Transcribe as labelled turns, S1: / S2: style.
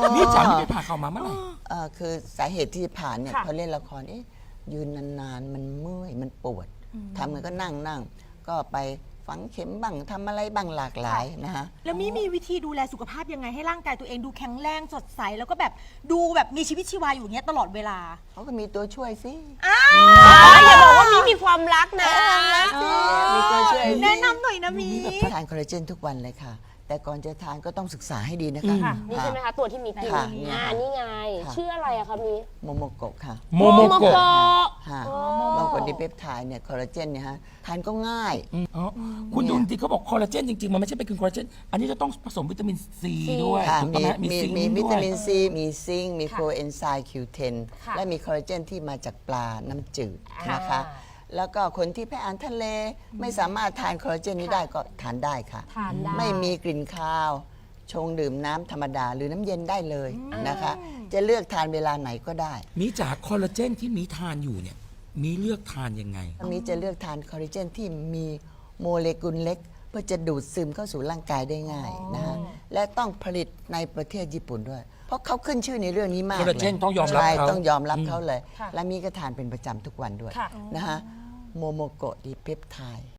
S1: นี่จ๋านี่ไปผ่าเข่ามาเมื่อไหร่
S2: คือสาเหตุที่ผ่านเนี่ย
S3: ค่ะ
S2: พอเล่นละครยืนนานๆมันเมื่อยมันปวดทำมันก็นั่งก็ไปฝังเข็มบ้างทำอะไรบ้างหลากหลายนะฮะ
S3: แล้วมีวิธีดูแลสุขภาพยังไงให้ร่างกายตัวเองดูแข็งแรงสดใสแล้วก็แบบดูแบบมีชีวิตชีวาอยู่อย่างเงี้ยตลอดเวลา
S2: เขาก็มีตัวช่วยสิ
S4: อย่าบอกว่ามีความรักนะ
S2: มีตัวช่วย
S3: แนะนำหน่อยนะมี
S2: ทานคอลลาเจนทุกวันเลยค่ะ แต่ก่อนจะทานก็ต้องศึกษาให้ดีนะคะ
S4: ค่ะนี่ใช่ไหมคะตัวที่มีกิน
S2: ค่ะเนี่ยค่ะ
S4: นี่ไง
S2: ค่ะ
S4: ชื่ออะไรอะคะมี
S2: โมโมโกะค่ะ
S1: โมโมโกะ
S2: ค่ะโมโมโกะดิเปปไทด์เนี่ยคอลลาเจนเนี่ยฮะทานก็ง่าย
S1: อ๋อคุณดูจริงๆเขาบอกคอลลาเจนจริงๆ มันไม่ใช่เป็นคอลลาเจน อันนี้จะต้องผสมวิตามินซีด้วย
S2: ค่ะ
S1: ถูกต้องไหม
S2: มี
S1: ซิงค์
S2: มี
S1: ด้
S2: วิ
S1: ว
S2: ตาย มินซีมีซิงค์มี
S4: ค่ะ
S2: โคเอนไซม์ Q10
S4: ค่ะ
S2: และมีคอลลาเจนที่มาจากปลาน้ำจืด
S4: ค่ะ
S2: นะคะ แล้วก็คนที่แพ้อาหารทะเลไม่สามารถทานคอลลาเจนนี้ได้ก็ทานได้ค่ะ
S4: ทานได้
S2: ไม่มีกลิ่นคาว ชงดื่มน้ำธรรมดาหรือน้ำเย็นได้เลยนะคะ จะเลือกทานเวลาไหนก็ได้
S1: มีจากคอลลาเจนที่มีทานอยู่เนี่ย มีเลือกทานยังไง
S2: มีจะเลือกทานคอลลาเจนที่มีโมเลกุลเล็ก เพื่อจะดูดซึมเข้าสู่ร่างกายได้ง่ายนะฮะและต้องผลิตในประเทศญี่ปุ่นด้วย เพราะเขาขึ้นชื่อในเรื่องนี้มาก
S1: คอลลาเจน
S2: ล
S1: ต้องยอมรับ
S2: ใช่
S1: เขา
S2: ต้องยอมรับเขาเลย
S4: ค่ะ
S2: และมีก็ทานเป็นประจำทุกวันด้วย
S4: ค่ะ
S2: นะฮะโมโมโกะดีเปปไทด์